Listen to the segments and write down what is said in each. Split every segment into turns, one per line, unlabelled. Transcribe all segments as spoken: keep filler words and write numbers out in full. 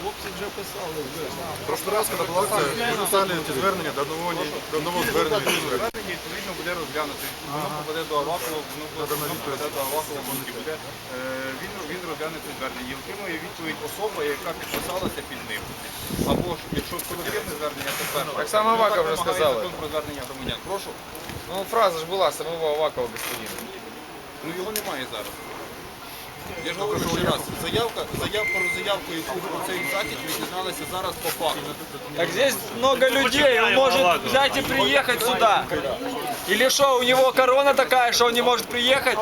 Хлопці вже писали.
В прошлый раз, когда была акция, мы писали эти звернення до одного, до одного звернення.
Звернення, відповідно, буде розглянути. Воно попаде до Авакова, воно попаде до Авакова, буде. Він, він розгляне це звернення і отримує відповідь особа, яка підписалася під ним. Або ж, якщо колективне звернення, то перше.
Так само Аваков вже сказали.
Закон про звернення громадян. Прошу.
Ну, фраза ж була самого Авакова, господина.
Ну його немає зараз. Я ж говорю ще раз, заявка, заявка про заявку, яку про цей захід ми дізналися зараз по факту.
Так здесь много людей, он может взять и приехать сюда. Или что, у него корона такая, что он не может приехать?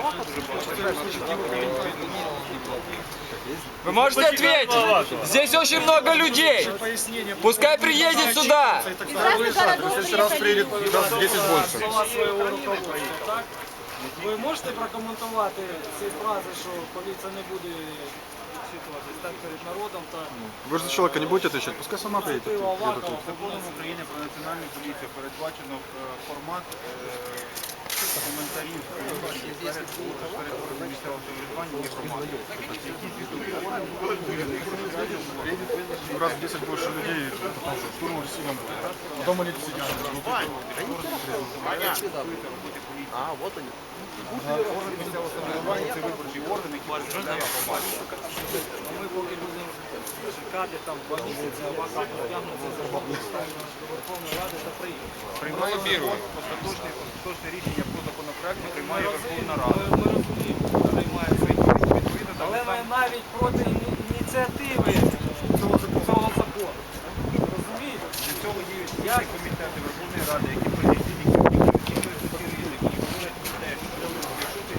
Вы можете ответить? Здесь очень много людей. Пускай приедет сюда.
В следующий раз приедет раз в десять больше.
Ви можете прокоментувати ці фрази, що поліція не буде відчитуватись так перед народом та
Вы же за человека не будете отвечать, пускай сама приедет.
вступив Аваков?
Законом України про національну поліцію передбачено формат коментарів перед органами місцевого самоврядування і громади.
Раз в десять больше людей, потому что штурм сильно будет. Потом они сидят.
А, от вони.
Органи місцевого самоврядування – це виборчий орган, який представляє громаду.
Ми поки будемо чекати там два місяці, Аваков потягнеться за до Верховної Ради та приїде.
Приймає остаточне, остаточне рішення про законопроект, приймає Верховна Рада.
Ми розуміємо, що приймає відповідно, але ми навіть проти іні- ініціативи цього закону. Розумієте?
Для цього є всі комітети Верховної Ради, які політичні, які виконують ці ризики, і говорять про те, що якщо ти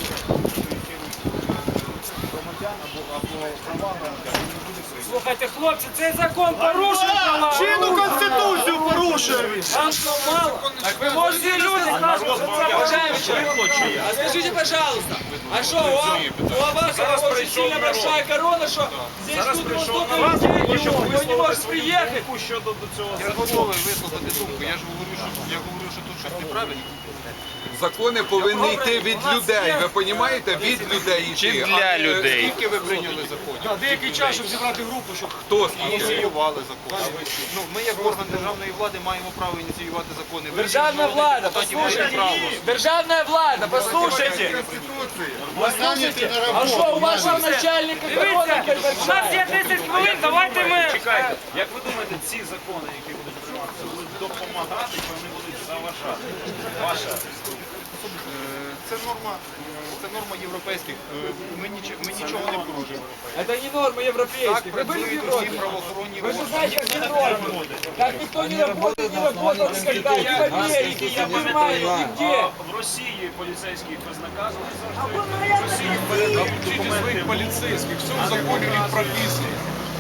громадян або права громадян, він не буде прийняти.
Слухайте, хлопці, цей закон порушує права.
Чинну конституцию порушує він!
Вам що мало? Так ви можете люди скажуть, що це
Уважаемый, а скажите, пожалуйста, а что, у, у Авакова очень сильно большая корона, что здесь тут вот столько людей, и он не может приехать?
Я готовий висловити думку. Я ж говорю, що я говорю, що тут щось неправильно.
Закони повинні йти від людей, ви розумієте? Від людей йти.
Чи для людей?
Скільки ви прийняли законів?
деякий час, щоб зібрати групу, щоб
Хто скільки?
Ініціювали закон. Ну, ми як орган державної влади маємо право ініціювати закони. Ви,
Державная
як
влада,
депутатів, маєте право.
послушайте, державная влада, послушайте. Послушайте, а что, у вашего начальника корона большая?
десять хвилин, давайте ми...
Чекайте, як ви думаєте, ці закони, які будуть прийматися, будуть допомагати, чи вони будуть заважати? Ваша
Е, Це норма, це норма європейських. Е, Ми, ніч, ми нічого не порушуємо.
Это не норма
Так
европейских. Вы были в
працюють усі
Европе?
правоохоронні
Вы же
органи.
знаете, как не норма. Так никто не работает, не работал никогда. Ни в Америке, ни в Германии, нигде.
в Росії поліцейських безнаказаних завжди.
Учите своих полицейских, все в законе у них прописано.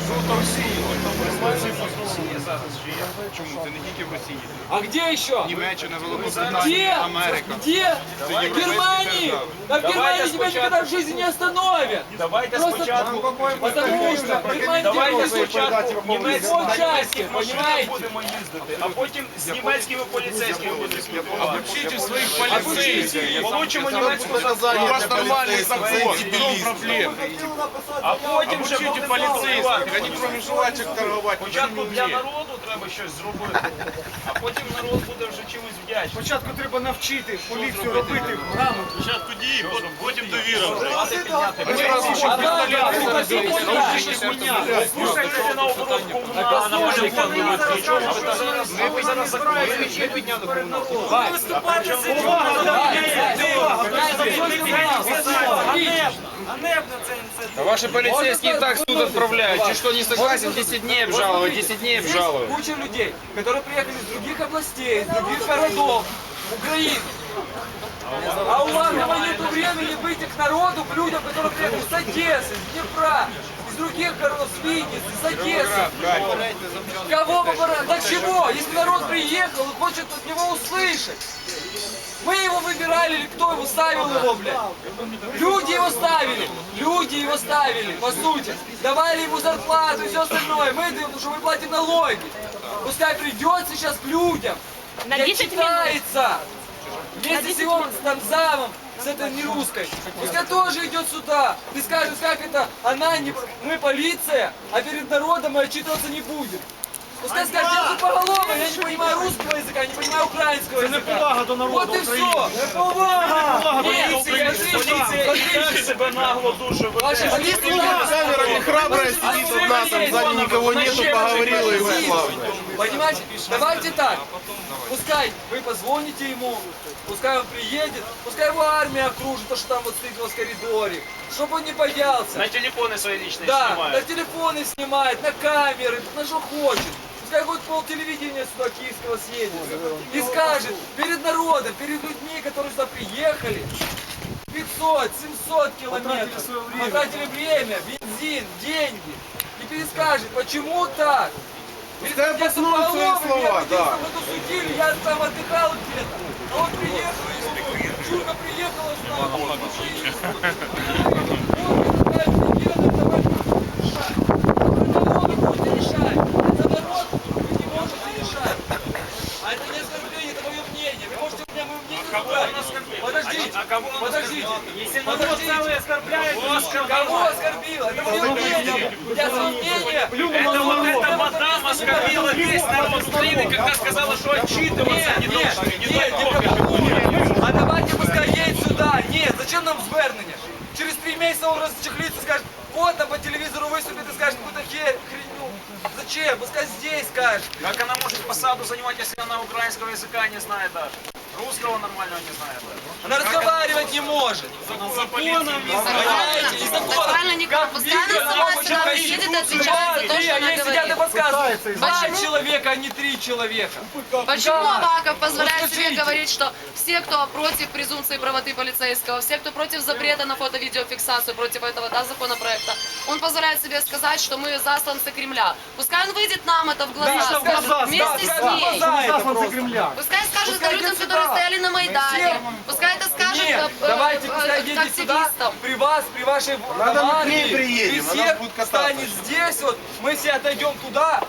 Росії зараз же є.
Чому? Це не тільки в Росії.
А где еще?
Німеччина,
Где?
Великобританія, Америка.
Где? В Германии! Да в Германии тебя никогда в жизни не остановят!
Давайте
Просто
спочатку,
потому что в Германии
давайте
делают
спочатку
по
німецьких
части,
машинах
понимаете?
будемо їздити, а потім з німецькими поліцейськими будемо спілкуватися.
Учите своих
поліцейських. Получимо німецьку
У вас нормальный закон, в чем проблема?
А потім вже будемо
Полицейских, они кроме жвачек торговать.
Спочатку для народу треба щось зробити, а потім народ буде вже чимось вдячний.
Спочатку треба навчити поліцію робити грамотно.
Спочатку дії, потім довіра вже. Слухайте на оборудку, на полігон, нічого, а зараз ви зараз закроєте.
Ми підняли комунальну.
Ганебно це ініціатива.
Ваши полицейские и так в суд отправляют. Чи что, не согласен, десять дней обжаловать, десять дней
Здесь
обжаловать.
куча людей, которые приехали из других областей, из других городов, Украины. А у вас нет времени выйти к народу, к людям, которые приехали с Одессы, с Днепра, из других городов, с Винницы, с Одессы. Кого выбирать? Для чего? Если народ приехал, он хочет от него услышать. Мы его выбирали или кто его ставил его, блядь? Люди его ставили, люди его ставили, по сути. Давали ему зарплату и все остальное. Мы даем, потому что мы платим налоги. Пускай придет сейчас к людям,
На
не
десять
отчитается. Вместе с его там замом, с этой нерусской. Пускай тоже идет сюда и скажет, как это она, не, мы полиция, а перед народом мы отчитываться не будем. Пускай скажет, я тупоголовый, я не понимаю русского языка, не понимаю украинского языка. Вот и все. Неповага! Нет,
Поліція себе нагло дуже веде.
Камера не храбрая сидит тут нас, там сзади никого нету, поговорила и ушла.
Понимаете? Давайте так. Пускай вы позвоните ему, пускай он приедет, пускай его армия окружит, то, что там вот стоит у вас в коридоре, чтобы он не боялся.
На телефони свої лічні
Да, на
знімають.
телефоны снимает, на камеры, на что хочет. Пускай будет пол телевидения сюда киевского съедет и скажет перед народом, перед людьми, которые сюда приехали, пятьсот, семьсот километров, потратили время, бензин, деньги, и перескажет, почему так.
Пускай обоснуют свои слова, да.
Судили, я там отдыхал где-то, а он приехал, ему Чурка приехала сюда, а это не оскорбление, это мое мнение. Вы можете у меня мое мнение забрать. Подождите,
А кого он
подождите.
Если народ целый оскорбляет,
Кого оскорбил? Это мое мнение. Я свое мнение.
это вот эта мадам оскорбила весь народ Украины, когда сказала, что отчитываться не
Нет,
должны.
нет, нет, никакого. А давайте пускай едет сюда. Нет, зачем нам звернення? Через три месяца он расчехлится и скажет, вот там по телевизору выступит и скажет какую-то херню. Зачем? Пускай здесь скажет.
Как она может посаду занимать, если она украинского языка не знает даже? Русского нормального не знает даже.
Она разговаривать не может.
Законом не
Понимаете? И закон.
Правильно, Николай,
Как
пускай она
видно,
сама
почему
сюда
ищут
приедет и
сюда
отвечает за то,
три,
что
а
она
они сидят и
говорит.
подсказывают. Два
Почему?
человека, а не три человека.
Почему
Как?
Аваков позволяет
Вот
себе
скажите.
говорить, что все, кто против презумпции правоты полицейского, все, кто против запрета на фото-видеофиксацию, против этого да, законопроекта, он позволяет себе сказать, что мы засланцы Кремля. Пускай он выйдет нам это в глаза,
Да, в
скажет,
глаза,
вместе
да,
с
в
ней.
глаза это просто.
Пускай скажет
Пускай
это людям,
идет
которые
сюда.
стояли на Майдане.
Всем.
Пускай это скажет
Нет,
э, э,
давайте
э,
пускай едете сюда,
активистам.
при вас, при вашей
Надо мы к
армии,
ней приедем,
при
она
всех
будет кататься.
станет здесь, вот, мы все отойдем туда,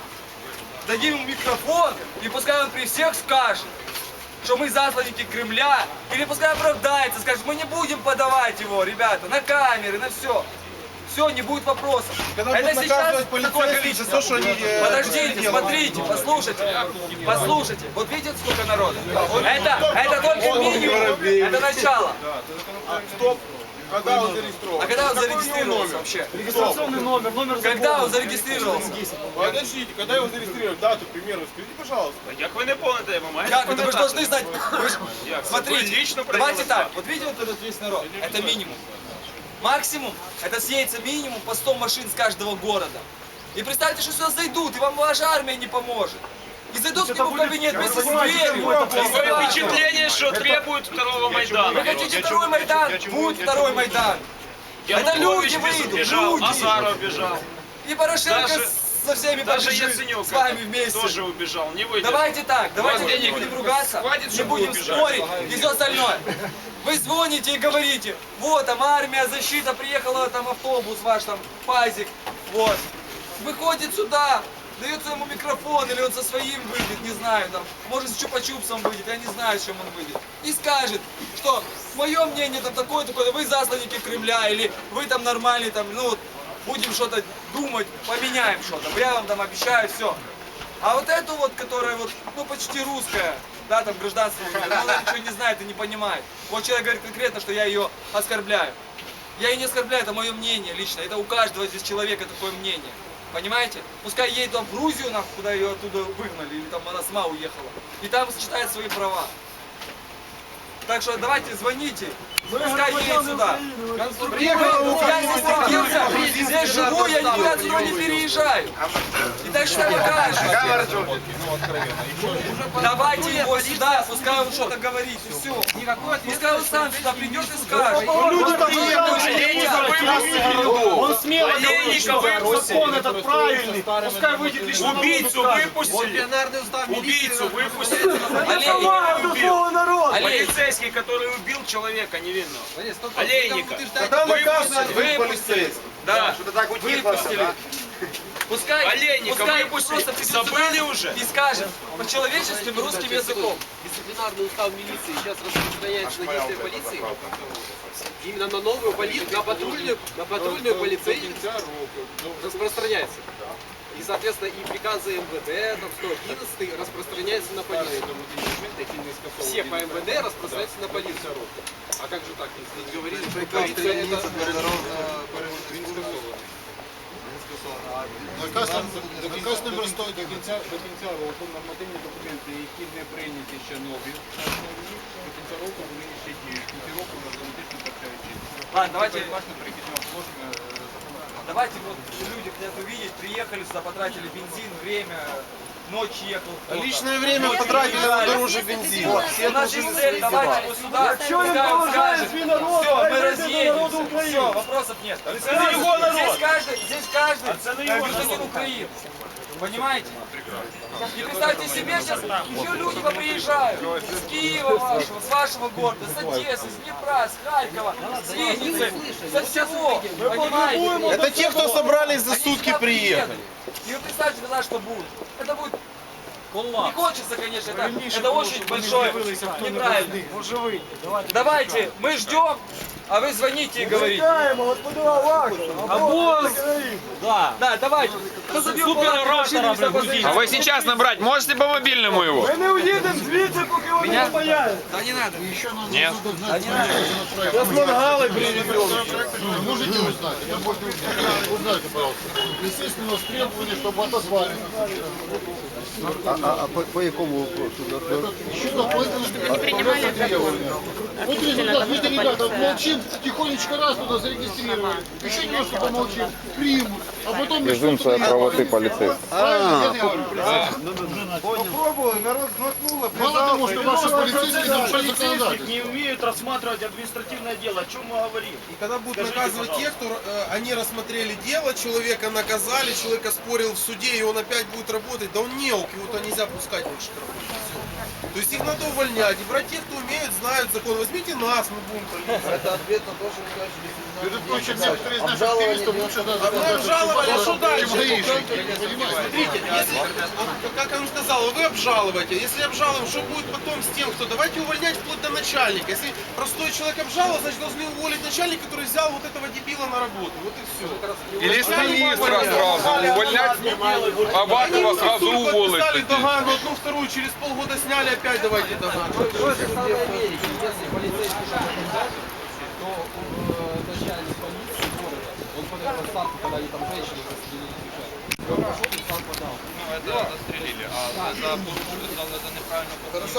дадим ему микрофон, и пускай он при всех скажет, что мы засланники Кремля, или пускай оправдается, скажет, мы не будем подавать его, ребята, на камеры, на все. Все, не будет вопросов.
Когда
Это
будут
сейчас
наказывать
такое
полицейских за то, что
количество.
они, э,
Подождите,
делают.
смотрите, послушайте, послушайте. Вот видите, сколько народа? Это, это только минимум, это начало.
Стоп. Когда он зарегистрирован?
А когда он
Какой
зарегистрировался
номер?
вообще?
Регистрационный номер, номер
Когда он зарегистрировался?
Подождите, когда его зарегистрировали? Дату, к примеру, скажите, пожалуйста.
Як ви не помните, ви маєте
Как это? Вы же должны знать. Вы ж-
Як? Ви
Смотрите,
лично
давайте
прийняли
так. Вот видите вот этот весь народ? Это минимум. Максимум, это съедется минимум по сто машин с каждого города. И представьте, что сюда зайдут, и вам ваша армия не поможет. И зайдут к нему в кабинет вместе с дверью.
Такое впечатление, что требуют второго Майдана.
Вы хотите второй Майдан? Будет второй Майдан. Это люди
Янукович
выйдут,
бежал,
люди.
Азаров бежал.
И Порошенко
Даже-
с- со всеми
Даже
побежит,
Яценюк
с вами вместе.
тоже убежал, не выйдет.
Давайте так, давайте
вас
не
денег
будем ругаться,
хватит,
не
чтобы
будем
убежать?
спорить и все остальное. Вы звоните и говорите, вот там армия, защита, приехала там автобус ваш, там пазик, вот. Выходит сюда, дается ему микрофон, или он со своим выйдет, не знаю, там, может с чупа-чупсом выйдет, я не знаю, с чем он выйдет. И скажет, что мое мнение там такое, такое, вы засланники Кремля, или вы там нормальный, там, ну, вот, будем что-то думать, поменяем что-то, я вам там обещаю, все. А вот эту вот, которая вот, ну, почти русская, да, там гражданство, ну, она ничего не знает и не понимает. Вот человек говорит конкретно, что я ее оскорбляю. Я ее не оскорбляю, это мое мнение лично, это у каждого здесь человека такое мнение. Понимаете? Пускай едет там в Грузию, нахуй, куда ее оттуда выгнали, или там она сама уехала. И там считает свои права. Так что давайте звоните, пускай едет сюда.
Приехала
Я здесь родился, здесь живу, я никуда отсюда не переезжаю. И так что покажешь. Давайте его сюда, пускай он что-то говорит, и все. Пускай он сам сюда придет и скажет.
Люди там приехали.
Он смело
Олейника
говорит, что
выпустили.
закон этот правильный, пускай выйдет лично на
Убийцу
улицу,
выпустили. Убийцу выпустили.
Олейника.
Убил.
Олейника.
Полицейский, который убил человека невинного. Олейника.
Когда наказывают
Выпустили.
полицейских.
Да,
Что-то так утихло,
выпустили.
да?
Пускай,
Олейника
пускай
выпустили.
просто придет
Забыли
сюда
уже?
и скажет по-человеческим русским языком.
Дисциплинарный устав милиции сейчас распространяется на действия полиции. Именно на новую полицию, на патрульную, на патрульную полицейскую распространяется. И, соответственно, и приказы МВД, там, сто одиннадцатый распространяется на полицию. Все по МВД распространяются на полицию. А как же так? Если говорили, что полиция это...
Наказ наказ номер сто
До кінця, до кінця року нормативні документи, які не прийняті ще нові, до кінця року вони ще діють. В кінці року автоматично втрачають.
Ладно, давайте,
Передбачено перехідного положення законодавства.
давайте вот люди хотят увидеть, приехали сюда, потратили бензин, время, ночь ехал. кто-то.
Личное время потратили на дороже бензина.
Все наши цели, давайте его сюда, пускай он скажет, все, мы разъедемся, все, вопросов нет. Здесь каждый, здесь каждый гражданин Украины, понимаете? И представьте себе, сейчас еще люди поприезжают с Киева вашего, с вашего города, с Одессы, с Днепра, с Харькова, с Винницы, со всего, понимаете?
Это те, кто собрались за
Они
сутки
сюда
приехали.
приедут. И вы представьте тогда, что будет. Это будет... Не хочется, конечно, это, это очень большое, неправильно. Давайте, мы ждем, а вы звоните и говорите. А босс! Да. Да, давайте. Кто забил машину,
А вы сейчас набрать можете по мобильному его?
Мы не уедем звідси, поки вони не появляться.
Да не надо.
Нет.
Сейчас мангалы приведем.
Можете узнать? Это можно узнать. Узнайте, пожалуйста. Естественно, у нас требование, чтобы отозвали.
А, а, а по, по якому вопросу?
Еще дополнительно требования. Вот результат. Видите, ребята, молчим, тихонечко раз туда зарегистрировали. Еще немножко помолчим, примут. А потом...
Презумпция правоты полицейского.
Правильно, я говорю.
Попробовали, народ знакнуло.
Мало того, что ваши полицейские нарушают законодательство.
Не умеют рассматривать административное дело. О чем мы говорим?
И когда будут наказывать тех, кто э, они рассмотрели дело, человека наказали, человека спорил в суде, и он опять будет работать, да он неук, его-то нельзя пускать больше к работе. Всё. То есть их надо увольнять и брать тех, кто умеют, знают закон. Возьмите нас, мы будем полиция.
Это ответ на то, что вы сказали,
Между прочим, некоторые из наших активистов лучше даже
А мы обжаловали, а что дальше?
чем гаишники, понимаете?
Смотрите, если, вот, как он сказал, вы обжалуете. Если обжалуем, что будет потом с тем, кто? Давайте увольнять вплоть до начальника. Если простой человек обжаловал, значит должны уволить начальника, который взял вот этого дебила на работу. Вот и все.
Или с министра сразу увольнять, Авакова сразу уволить.
Подписали догану, одну, вторую, через полгода сняли, опять давайте догану.
То же самое в Америке. Если полицейский что-то взять, то э, начальник полиции города, он подал отставку, когда они там женщины застрелили бежать. Он пошел и сам подал.
Ну, это застрелили, а за, за, за неправильно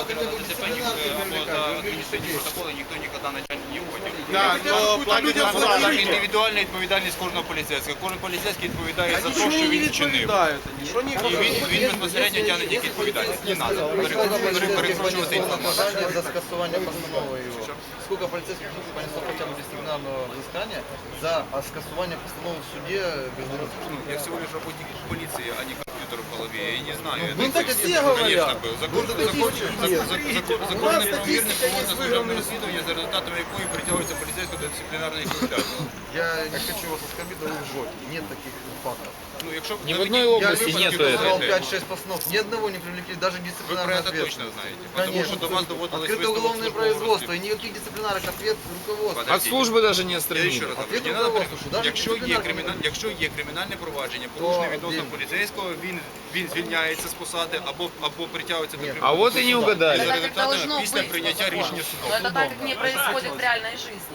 ДТП або за адміністративні протоколи ніхто ніколи начальник не уводив.
Да, но
Людям
людям
так
заплатили.
індивідуальна відповідальність кожного поліцейського. Кожен поліцейський відповідає за те,
Ничего
що
не
він вчинив.
відповідають. Що ні,
І він, він безпосередньо тягне тільки відповідальність. Не треба перекручувати інформацію.
За скасування постанови його. Сколько полицейских понесло хотя бы дисциплинарного взыскания за скасування постанови в суде без
Ну, я всего лишь работник полиции, а не компьютер в голове. Я не знаю.
Ну
Это,
так все говорят.
Конечно, был. Закон, закон, закон, закон, законне правомірне
статистика є
проводне
виграна.
служебне розслідування, за результатами якої притягується поліцейського до дисциплінарної відповідальності.
Я не хочу вас оскорбить, но вы лжете. Нет таких фактов.
Ну, якщо
Ни в одной
Я
области
лично
нету
сказал
этого.
пять-шесть постанов. Ни одного не привлекли, даже
ви про
дисциплинарную
це точно
ответственность.
знаєте. Потому що до вас доводилось
Открыто
висновок
уголовное
службового
производство и
розслідування.
никаких дисциплинарных ответ руководства.
От службы даже не
Я ще
отстранили.
раз говорю,
Ответ
не надо при-
руководству, що навіть
якщо є
дисциплінарне
криміна- якщо є кримінальне провадження, порушене
То
відносно
він-
поліцейського, він він звільняється з посади або або притягується до
Ні.
кримінального.
А вот и не угадали.
Это
За
так
результатами
должно
після
быть.
прийняття рішення
Но
суду.
это так, как не происходит в реальной жизни.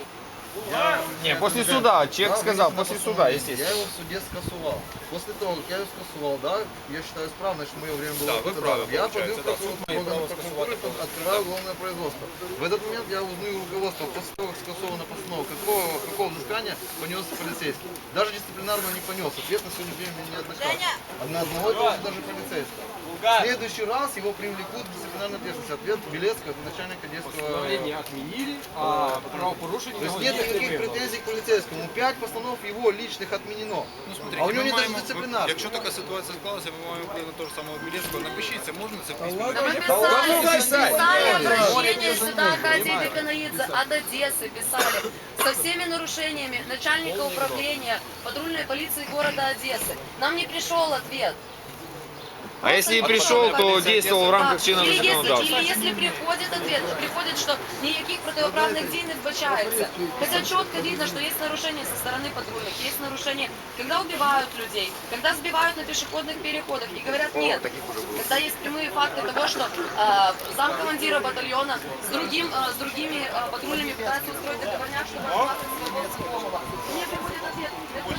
Не, после суда. Человек сказал, после суда, естественно.
Я его в суде скасовал. После того, как я его скасовал, да, я считаю исправно, что мое время было
Да, вы
потрачено.
правы,
Я
получается,
подаю
да,
в
суд
прокуратуру,
имеет право
прокуратуру,
скасовать.
открываю уголовное производство. В этот момент я узнаю руководство, после того, как скасована постанова, какого, какого взыскания понес полицейский. Даже дисциплинарного не понес. Ответственность сегодня времени не однократно. А на одного и того же даже полицейского. В следующий раз его привлекут к дисциплинарной ответственности. Ответ Белецкого, это начальника детского...
Постановление отменили, а правопорушение...
То есть нет никаких претензий к полицейскому. Пять постанов его личных отменено. А у него нет даже дисциплинарных.
Якщо така ситуація склалася, ми маємо вплив на того ж самого Білецького. Напишіть, це можна, це письмо.
Да мы писали, писали обращение сюда, Катя Деканаидзе, от Одессы писали, со всеми нарушениями начальника управления патрульной полиции города Одессы. Нам не пришел ответ.
А если не пришел, то действовал в рамках чинного
Или если,
законодательства.
или если приходит ответ, приходит, что никаких противоправных дій не вбачается. Хотя четко видно, что есть нарушения со стороны патрульных, есть нарушения, когда убивают людей, когда сбивают на пешеходных переходах. И говорят нет. Когда есть прямые факты того, что э, замкомандира батальона с, другим, э, с другими э, патрульными пытаются устроить договорняк, чтобы отмазать своего знакомого. Мне приходит ответ.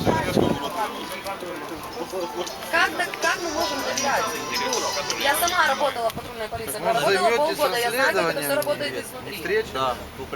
Как, так, как мы можем доверять? Я сама работала в патрульной полиции,
Может,
работала
займетесь
полгода, я знаю, как это все
расследованием
работает
и
изнутри.
встречи? Да,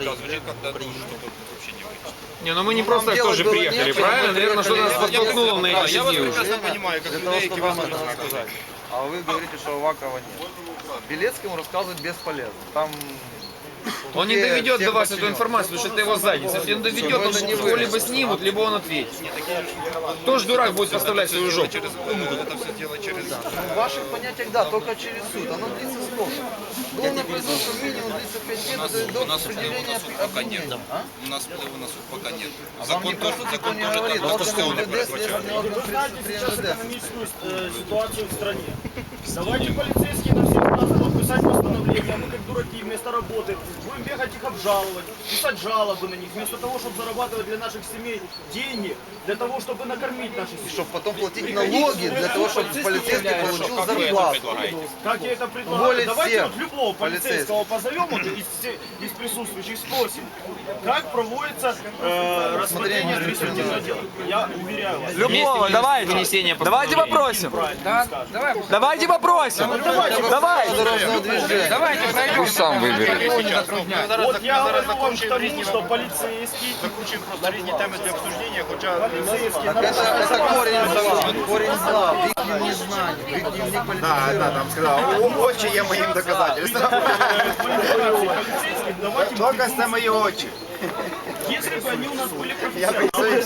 Не, ну мы не просто так
делать
тоже
было
приехали,
нечего,
правильно?
мы
Наверное, что нас
приехали.
подтолкнуло на эти
Я вас
дни уже.
прекрасно понимаю, как
Для
людей,
того,
які
чтобы
вас
вам
не
это
знають.
рассказать. А вы говорите, что Авакова нет. Белецкому рассказывать бесполезно. Там
Он не
все-
доведет
все
до вас эту
подчиненные.
информацию, потому что это его задница. Если он доведет,
Чтобы
он
это не
его
вы.
либо снимут, либо он ответит. Кто ж дурак будет поставлять свою жопу?
Через кому это все делать через...
Ну, в ваших понятиях, да, только через суд. Оно длится сколько? Уголовное производство минимум длится пять лет, это до определения обвинения. А?
У нас впливу на суд пока нет.
Вам никто суд никто не говорит. Органы МВД, следственный орган при при МВД.
Экономическую э, ситуацию в стране. Давайте полицейские на всех нас будут писать постановления, а мы как дураки вместо работы будем бегать их обжаловать, писать жалобы на них, вместо того, чтобы зарабатывать для наших семей деньги, для того, чтобы накормить наши семьи.
Чтобы потом платить налоги, для того, чтобы полицейский получил зарплату.
Как я это предлагаю?
Уволить
Давайте
всех
вот любого полицейского позовем вот, из, все- из присутствующих, спросим, как проводится э, рассмотрение административного дела. Я уверяю вас.
Любого, давайте.
Вынесение
Давайте попросим. Давайте попросим. Давай.
Дорожного движения.
Давайте пройдем.
Пусть сам выберет.
Вот я говорю вам к тому, что полицейский,
Різні теми для обсуждення, хоча...
полицейский,
Это, это корень зла. Корень зла. В их незнании, в их дневник политизирования.
там сказал, очі є моїм доказательством.
полицейских, давайте
Доказ це мої очі.
если бы они у нас были профессионалы.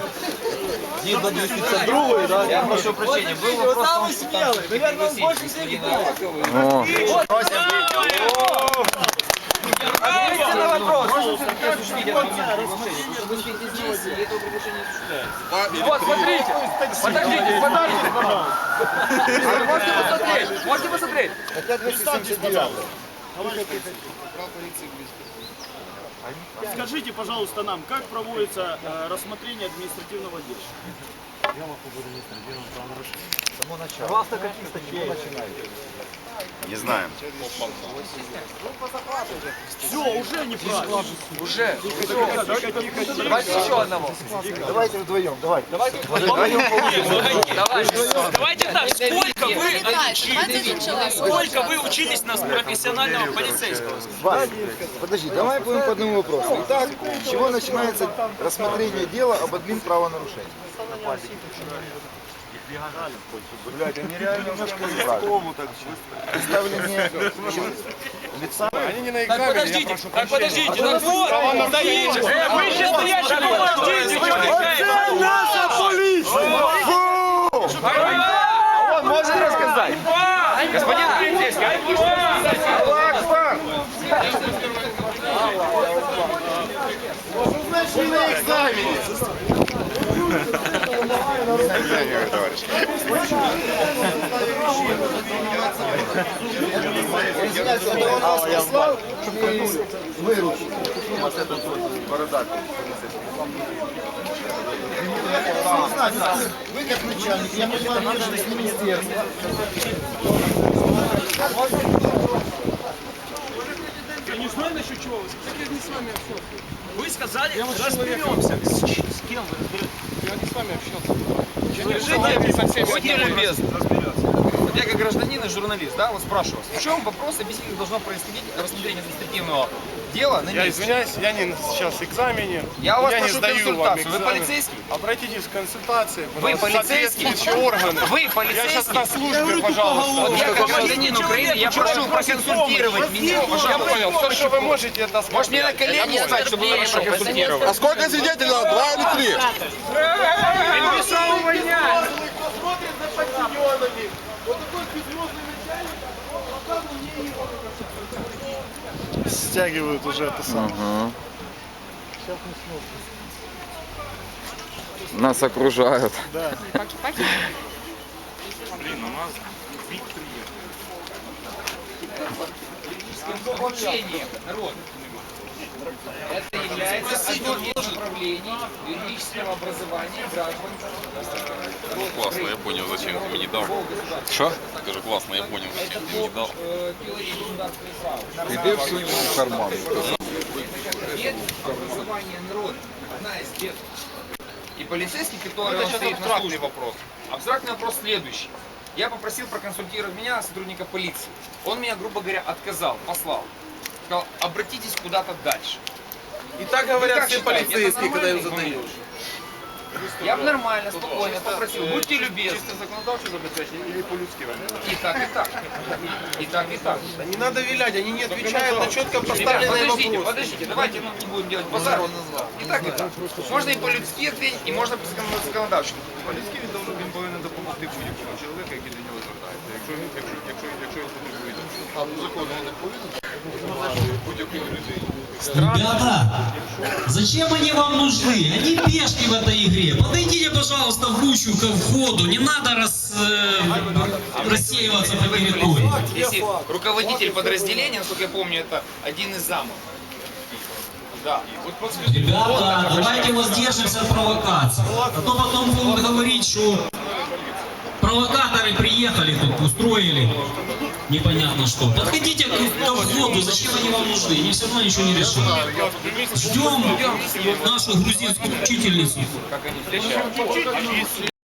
Я прошу прощения, был вопрос... Самый смелый, наверное, он больше всех
Ответьте на вопрос. Вот, смотрите. Подождите, подождите, пожалуйста. Можете посмотреть? Можете посмотреть?
Стаття двісті сімдесят дев'ять.
Скажите, пожалуйста, нам, как проводится э, рассмотрение административного дела?
Не знаю.
Все, уже неправильно.
Уже. Давайте еще одного.
Давайте вдвоем, давайте.
Давайте.
Давайте так, сколько вы,
Давайте один человек.
сколько вы учились на профессионального полицейского?
Вась, подожди, давай будем по одному вопросу. Итак, с чего начинается рассмотрение дела об админправонарушении? Блядь, они реально немножко рисково так представление лица. Они не на
Так подождите, так подождите, так вот, стоите, э, вы сейчас стоящие, ну подождите, вы что наша полиция!
Он может рассказать. Господин полицейский,
Вы на экзамене. Он вас послал и выручил. Вот этот вот бородатый. Вы как начальник, я понимаю, держитесь с министерства.
Я не знаю насчет чего, я не с вами общался. Вы сказали, разберемся. С кем вы разберетесь? Я не с вами общался.
Будьте любезны. Вот я как гражданин и журналист, да, вот спрашиваю вас, в чем вопрос, объясните, должно происходить рассмотрение административного
дело на
Я
месте.
извиняюсь, я не сейчас в экзамене.
Я у вас
я не
прошу
сдаю вам
консультацию. Вы
экзамен.
полицейский?
Обратитесь к консультации.
Вы
пожалуйста,
полицейский?
соответствующие органы.
Вы
Я
полицейский?
сейчас на службе, пожалуйста.
Вот я как гражданин Украины, я прошу проконсультировать меня.
Я понял, все, что вы можете, это сказать.
Может, мне на колени встать, чтобы вы меня проконсультировали?
А сколько свидетелей надо? Два или три?
Смотрит за подчиненными. Вот такой безмозглый начальник, пока мне
Стягивают уже это самое.
Ага. Нас окружают.
Да.
Блин, у нас
Обучение, народ. Это является одним из направлений юридического образования граждан.
Классно, я понял, зачем ты мне не дал.
Что?
Скажи, классно, я понял, зачем ты мне не дал.
Теория государственного права.
Иди в свой карман.
Бед образования народа. Одна из бед. И полицейский, который
это
он
сейчас
стоит на
абстрактный
службе.
вопрос.
Абстрактный вопрос следующий. Я попросил проконсультировать меня, сотрудника полиции. Он меня, грубо говоря, отказал, послал. Сказал, обратитесь куда-то дальше.
И так
Вы
говорят
как
все
считаете,
полицейские,
это
когда им
нормальный
задаешь.
Я бы нормально, спокойно попросил, будьте любезны.
Чисто законодавчо забезпечення или по-людськи?
И так, и так. И так, и так.
Да не надо вилять, они не отвечают на четко
Ребят,
поставленные
подождите,
вопросы.
подождите, давайте мы не будем делать базар. И так, и так. Можно и по-людски ответить, и можно по-законодавчому.
Поліцький він должен, він повинен допомогти будь-якому чоловіку, який до нього звертається. Якщо він, якщо, якщо, якщо він потребує допомоги.
А по закону він не повинен?
Будь-якої людини.
Ребята, зачем они вам нужны? Они пешки в этой игре. Подойдите, пожалуйста, в ручку ко входу. Не надо рас, э, рассеиваться по территории.
Если руководитель подразделения, насколько я помню, это один из замов. Да. Вот подскажите,
Ребята, давайте воздержимся от провокаций. А то потом будут говорить, что провокаторы приехали тут, устроили непонятно что. Подходите к входу, зачем они вам нужны? Они все равно ничего не решат. Ждем нашу грузинскую учительницу.
как они встречаются.